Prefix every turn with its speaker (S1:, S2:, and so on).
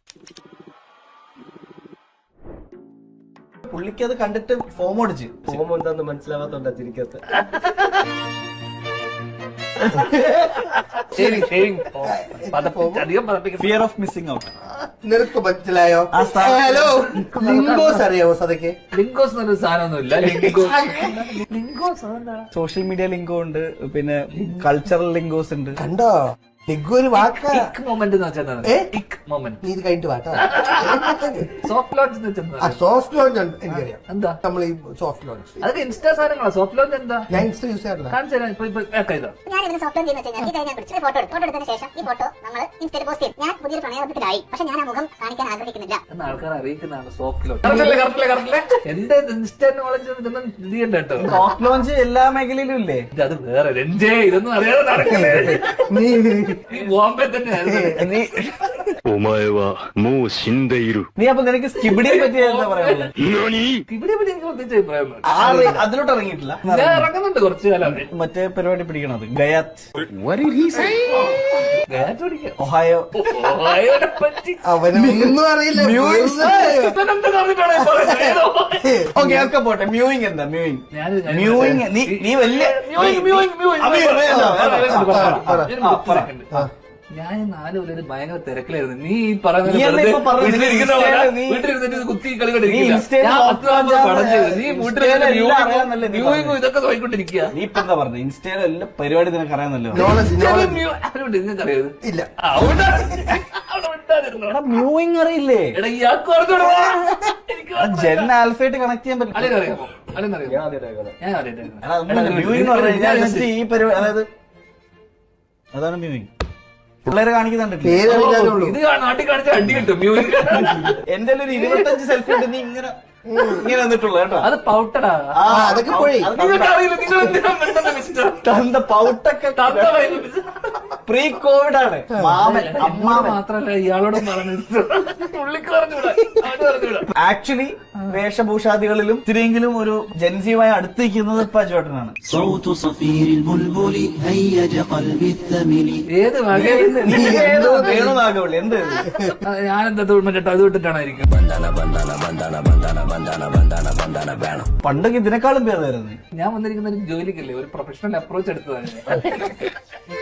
S1: പുള്ളിക്ക് അത് കണ്ടിട്ട് ഫോം അടിച്ച്
S2: ഫോം എന്താന്ന് മനസ്സിലാവാത്തോണ്ടാ ചിരിക്കത്ത്.
S1: Fear of missing out.
S3: നിനക്ക് മനസ്സിലായോ? ഹലോ, ലിംഗോസ് അറിയാവോ സദയ്ക്ക്?
S4: ലിംഗോസ് എന്നൊരു സാധനമൊന്നുമില്ല. ലിംഗോസ്
S1: സോഷ്യൽ മീഡിയ ലിങ്കോ ഉണ്ട്, പിന്നെ കൾച്ചറൽ ലിങ്കോസ് ഉണ്ട്.
S3: കണ്ടോ, ലിംഗോ ഒരു വാക്കാ.
S4: മൊമെന്റ് എന്ന് വെച്ചാൽ മൊമെന്റ്.
S3: നീ ഇത് കഴിഞ്ഞിട്ട് വാട്ടാ.
S4: സോഫ്റ്റ് ലോഞ്ച് എന്ന് വെച്ചാൽ
S3: സോഫ്റ്റ് ലോഞ്ച് എനിക്കറിയാം.
S4: എന്താ
S3: നമ്മൾ ഈ സോഫ്റ്റ് ലോഞ്ച്
S4: അതൊക്കെ ഇൻസ്റ്റാ സാധനങ്ങളാ. സോഫ്റ്റ് ലോഞ്ച് എന്താ?
S3: ഞാൻ ഇൻസ്റ്റ യൂസ് ചെയ്യാറില്ല.
S4: കാണിച്ചു തരാം. ഇപ്പൊ ഇതാ
S5: ഞാൻ ഇതിന് സോഫ്റ്റ് ലോഞ്ച് ചെയ്യുന്ന വെച്ചാൽ ഞാൻ പിടിച്ച് ഫോട്ടോ എടുത്തതിന് ശേഷം ഈ ഫോട്ടോ നമ്മൾ ഇൻസ്റ്റയിൽ പോസ്റ്റ് ചെയ്യും. ഞാൻ പുതിയൊരു പ്രണയബന്ധത്തിലായി, പക്ഷെ ഞാൻ ആ മുഖം കാണിക്കാൻ ആഗ്രഹിക്കുന്നില്ല
S4: എന്ന് ആൾക്കാർ അറിയിക്കുന്നതാണ് സോഫ്റ്റ് ലോഞ്ച്. എന്റെ ഇൻസ്റ്റാ നോളജ് ഇതൊന്നും ഇത് ചെയ്യണ്ട കേട്ടോ.
S1: സോഫ്റ്റ് ലോഞ്ച് എല്ലാ മേഖലയിലും ഇല്ലേ?
S4: അത് വേറെ രഞ്ജേ, ഇതൊന്നും അറിയാതെ നടക്കില്ലേ?
S3: നീ
S4: ബോംബെ തന്നെ
S1: നീ അപ്പൊ നിനക്ക് സ്കിബിഡിയെ പറ്റി എന്താ പറയാനുള്ളത്?
S4: ഇവിടെ എനിക്ക് പ്രത്യേകിച്ച് അഭിപ്രായം
S1: അതിലോട്ട് ഇറങ്ങിയിട്ടില്ല.
S4: ഞാൻ ഇറങ്ങുന്നുണ്ട് കുറച്ചു കാലം.
S1: മറ്റേ പരിപാടി പിടിക്കണത് ഗയാത്ത്, ഒഹായോ.
S3: അവനൊന്നും അറിയില്ല.
S1: ഓക്കെ ഒക്കെ പോട്ടെ. മ്യൂയിങ് എന്താ? മ്യൂയിങ് നീ വലിയ
S4: ഞാൻ 4 കൊല്ലം ഭയങ്കര തിരക്കിലായിരുന്നു. നീ
S1: നീ അല്ലേ ഇപ്പൊ പറഞ്ഞത്?
S4: വീട്ടിലിരുന്നിട്ട് കുത്തി കളി
S1: നീ ഇൻസ്റ്റയിൽ
S4: ഇതൊക്കെ നോക്കിക്കൊണ്ടിരിക്കുക.
S1: നീ ഇപ്പൊ എന്താ പറഞ്ഞത്? ഇൻസ്റ്റയിലെ എല്ലാ പരിപാടി നിനക്ക് അറിയാന്നല്ലോ.
S4: നിങ്ങൾക്കറിയത്
S3: ഇല്ല.
S1: മ്യൂയിങ് അറിയില്ലേ?
S4: എടാ ഇയാൾക്ക് പറഞ്ഞോടാ.
S1: ജെൻ ആൽഫയായിട്ട് കണക്ട് ചെയ്യാൻ പറ്റും.
S4: അല്ലെന്നറിയാമോ? അല്ലെന്നറിയാമോ?
S1: ഞാൻ മ്യൂയിങ് എന്ന്
S4: ഞാൻ
S1: പറഞ്ഞു കഴിഞ്ഞാൽ ജസ്റ്റ് ഈ പരിപാടി, അതായത് അതാണ് മ്യൂയിങ്. പിള്ളേരെ കാണിക്കുന്നുണ്ടല്ലോ.
S4: ഇത് നാട്ടിൽ കാണിച്ച അടി കിട്ടും.
S1: എന്റെ ഒരു 25 സെൽഫി ഉണ്ട്. നീ ഇങ്ങനെ വന്നിട്ടുള്ളൂ കേട്ടോ.
S4: അത് പൗട്ടടാ.
S3: അതൊക്കെ പോയി.
S1: തന്ത പൗട്ടൊക്കെ പ്രീ കോവിഡ് ആണ്. മാമൻ
S4: അമ്മ മാത്രല്ല ഇയാളോടും പറഞ്ഞിട്ട്
S1: ആക്ച്വലി വേഷഭൂഷാദികളിലും ഇത്തിരിയെങ്കിലും ഒരു ജൻസിയുമായി അടുത്തിരിക്കുന്നത് ഇപ്പൊ അജുവേട്ടനാണ്.
S4: ഏത് വകയിൽ
S1: വേണുനാഗവള്ളി എന്ത്
S4: ഞാനെന്താ മറ്റേ അത് വിട്ടിട്ടാണായിരിക്കും.
S1: പണ്ടൊക്കെ ഇതിനേക്കാളും ഭേദമായിരുന്നു.
S4: ഞാൻ വന്നിരിക്കുന്ന ഒരു ജോലിക്കല്ലേ, ഒരു പ്രൊഫഷണൽ അപ്രോച്ച് എടുത്തതാണ്.